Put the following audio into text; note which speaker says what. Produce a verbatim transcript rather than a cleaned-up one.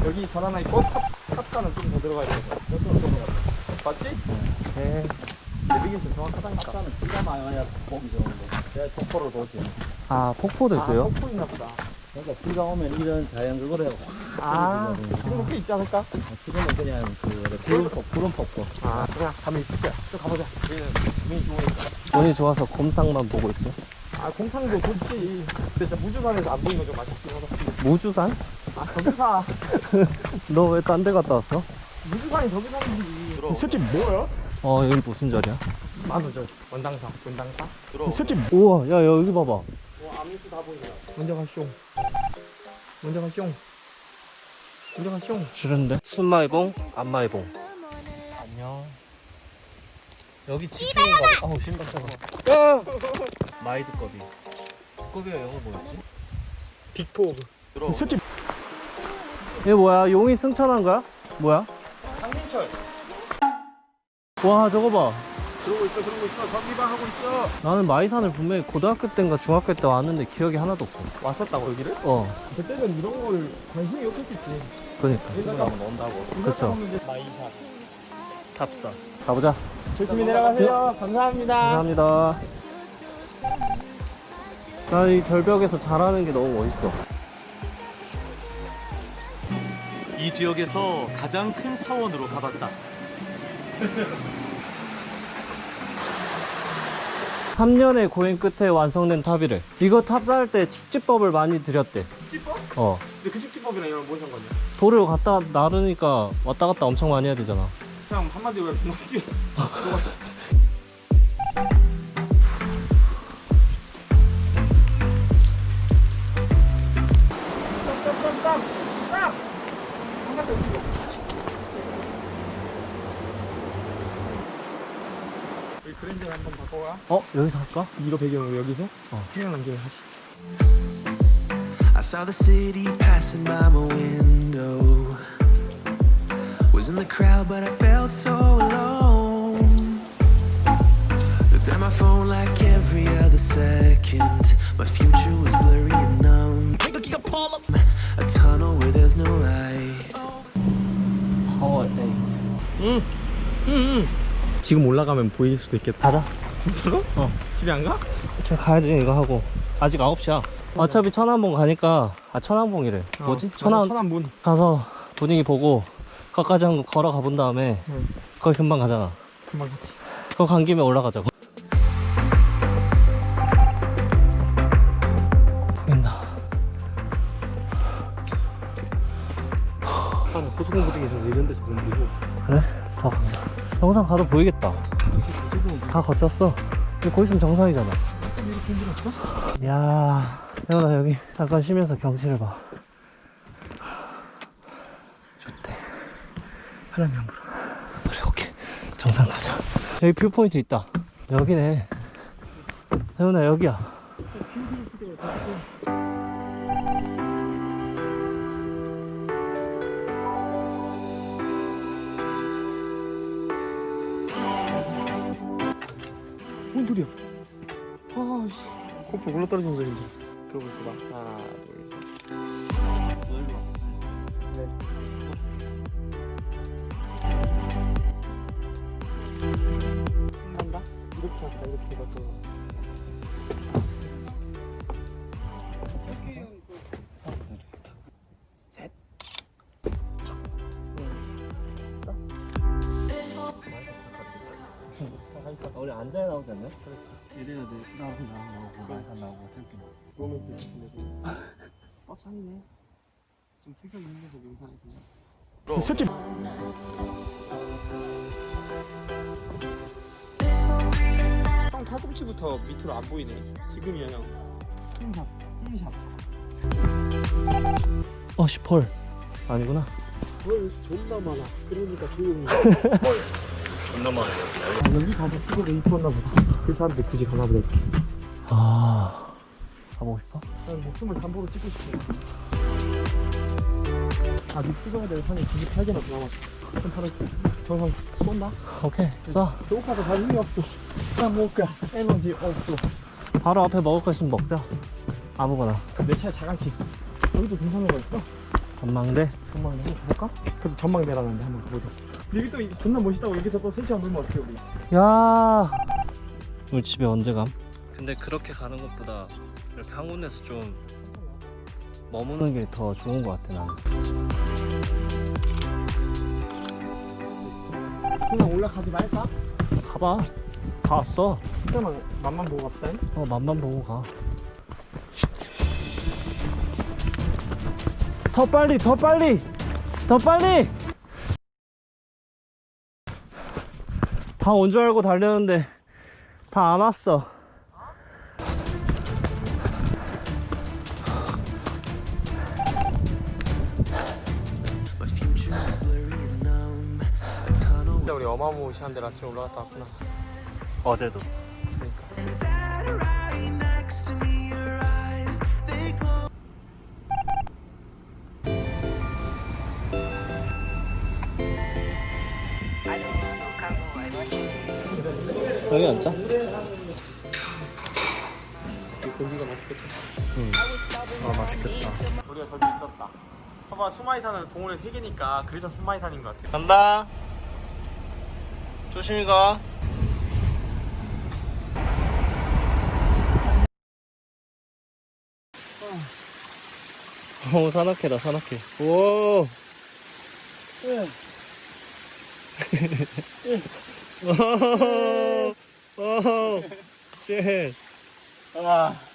Speaker 1: 여기 전 하나 있고 탑, 탑산은 좀 더 들어가야 되겠다. 이쪽으로 들어가. 맞지?
Speaker 2: 네.
Speaker 1: 내비긴 좀 정확하다니까.
Speaker 3: 탑산은 비가 많아야 봄이 좋은데 내가 폭포를 보지.
Speaker 2: 아, 폭포도 있어요?
Speaker 1: 아, 폭포 있나 보다.
Speaker 3: 그러니까 비가 오면 이런 자연적으로
Speaker 1: 아, 그런 게 있지 않을까?
Speaker 3: 지금은 그냥 그 구름 폭 구름 폭포.
Speaker 1: 아, 그냥 가면 있을 거야. 또 가보자. 우리는 운이 좋으니까.
Speaker 2: 운이 좋아서 곰탕만 보고 있지.
Speaker 1: 아, 곰탕도 좋지. 근데 진짜 무주산에서 안 보이는 거 좀 아쉽긴 하다.
Speaker 2: 무주산?
Speaker 1: 아, 저기사.
Speaker 2: 너 왜 딴 데 갔다 왔어?
Speaker 1: 무주산이 저기 사는 거지. 이 새끼 뭐야?
Speaker 2: 어, 여기 무슨 자리야?
Speaker 1: 만우절. 원당사. 원당사.
Speaker 2: 이 새끼 우와, 야, 여기 봐봐.
Speaker 1: 와, 아미스 다 보인다. 먼저 가쇼. 먼저 가쇼. 먼저 가쇼.
Speaker 2: 싫은데? 순마이봉, 안마이봉. 안녕. 여기 지키는 거. 아우, 신발 따가. 야! 마이드 꺼비. 꺼비가 영어 뭐였지?
Speaker 1: 빅포그.
Speaker 2: 이 새끼. 얘 뭐야? 용이 승천한 거야? 뭐야?
Speaker 1: 강민철.
Speaker 2: 와, 저거 봐.
Speaker 1: 그러고 있어, 그러고 있어. 전기방 하고 있어.
Speaker 2: 나는 마이산을 분명히 고등학교 때인가 중학교 때 왔는데 기억이 하나도 없어.
Speaker 1: 왔었다고, 여기를?
Speaker 2: 어,
Speaker 1: 그때는 이런 걸 관심이 없었겠지.
Speaker 2: 그러니까.
Speaker 1: 여기다가
Speaker 3: 논다고.
Speaker 2: 그쵸.
Speaker 1: 마이샷.
Speaker 2: 탑사. 가보자.
Speaker 1: 조심히 내려가세요. 감사합니다.
Speaker 2: 감사합니다. 나 이 절벽에서 잘하는 게 너무 멋있어.
Speaker 4: 이 지역에서 가장 큰 사원으로 가봤다.
Speaker 2: 삼 년의 고행 끝에 완성된 탑이래. 이거 탑 쌓을 때 축지법을 많이 들였대.
Speaker 1: 축지법?
Speaker 2: 어.
Speaker 1: 근데 그 축지법이랑 이런 뭔 상관이야?
Speaker 2: 돌을 갖다 나르니까 왔다 갔다 엄청 많이 해야 되잖아.
Speaker 1: 그냥 한마디로 왜 그냥 뛰어. 우리 그랜저 한번 바꿔가.
Speaker 2: 어? 여기서 할까?
Speaker 1: 이거 배경으로 여기서
Speaker 2: 어.
Speaker 1: 태양 남기를 하자.
Speaker 5: I saw the city passing by my window. Was in the crowd, but I felt so alone. Looked at my phone like every other second. My future was blurry and numb. A tunnel where there's no light.
Speaker 2: 파워 에이트.
Speaker 1: 응. 응. 응. 지금 올라가면 보일 수도 있겠다.
Speaker 2: 가자.
Speaker 1: 진짜로?
Speaker 2: 어.
Speaker 1: 집에 안 가?
Speaker 2: 좀 가야지 이거 하고. 아직 아홉 시야. 어차피 천안봉 가니까, 아, 천안봉이래. 뭐지? 천안
Speaker 1: 천안문.
Speaker 2: 가서 분위기 보고 거기까지 한번 걸어가 본 다음에
Speaker 1: 응.
Speaker 2: 거기 금방 가잖아.
Speaker 1: 금방 가지.
Speaker 2: 그거 간 김에 올라가자고. 보인다.
Speaker 1: 아, 고소공포증에서 이런 데서 너무 무서워.
Speaker 2: 그래? 더 가자. 정상 가도 보이겠다. 다 거쳤어. 근데 거기 있으면 정상이잖아.
Speaker 1: 이렇게 힘들었어?
Speaker 2: 이야, 태훈아 여기 잠깐 쉬면서 경치를 봐. 좋대. 바람이 안 불어. 그래, 오케이. 정상 가자. 여기 뷰포인트 있다. 여기네. 태훈아 여기야.
Speaker 1: 뭔 소리야? 아, 씨. 코프 올라 떨어진 소리인 줄 알았어. 그러고 있어봐. 하나, 둘, 셋. 네. 한다? 이렇게 하자, 이렇게 해가지고. 셋.
Speaker 2: 우리 앉아야 나오지 않나?
Speaker 3: 이래야 돼. 나오고 나오고 말산 나오고 태극기 나오고.
Speaker 1: 로맨스 시키네. 어, 산이네. 좀 특이하게 생겨서 영상이. 이 새끼. 형 팔꿈치부터 밑으로 안 보이네. 지금이야 형. 힘샵, 힘샵.
Speaker 2: 어, 씨, 펄. 아니구나.
Speaker 1: 뭘 존나 많아. 그러니까 조용히.
Speaker 4: 존나 많아.
Speaker 1: 아, 여기 가서 찍어도 이뻤나 보다. 그 사람들 굳이 가나 보다. 이렇게.
Speaker 2: 아, 가보고 싶어?
Speaker 1: 난 목숨을 담보로 찍고 싶어. 아, 밑 찍어야 될 산이 구십팔 개나 남았어. 그럼 바로 정상 쏜다?
Speaker 2: 오케이, 쏴.
Speaker 1: 배고파서 갈 힘이 없어. 그냥 먹을 거야. 에너지 없어.
Speaker 2: 바로 앞에 먹을 거 있으면 먹자. 아무거나.
Speaker 1: 내 차에 자강치 있어. 여기도 괜찮은 거 있어?
Speaker 2: 전망대? 전망대 한번 가볼까?
Speaker 1: 그래도 전망대라는데 한번 가보자. 여기 또 이- 존나 멋있다고 여기서 또 세 시간 놀면 어떡해 우리.
Speaker 2: 야 우리 집에 언제 감? 근데 그렇게 가는 것보다 이렇게 한 군데서 좀 머무는 게 더 좋은 것 같아 나는.
Speaker 1: 그냥 올라가지 말까?
Speaker 2: 가봐. 다 왔어.
Speaker 1: 잠깐만 맛만 보고 갑시다.
Speaker 2: 어 맛만 보고 가. 더 빨리 더 빨리 더 빨리. 다 온 줄 알고 달렸는데 다 안 왔어.
Speaker 5: My future is blurry and numb. A tunnel
Speaker 1: 진짜 우리 어마무시한 데로 아침에 올라갔다 왔구나.
Speaker 2: 어제도.
Speaker 5: sat right next to me. Your eyes, they glow.
Speaker 2: 여기 앉자.
Speaker 1: 고기가 맛있겠다.
Speaker 2: 아 맛있겠다.
Speaker 1: 우리가 저기 있었다. 봐봐 수마이산은 동호회 세 개니까 그래서 수마이산인 것 같아.
Speaker 2: 간다. 조심히 가. 오 산악회다 산악회. 오. 오. 오. 쉣.
Speaker 1: 아.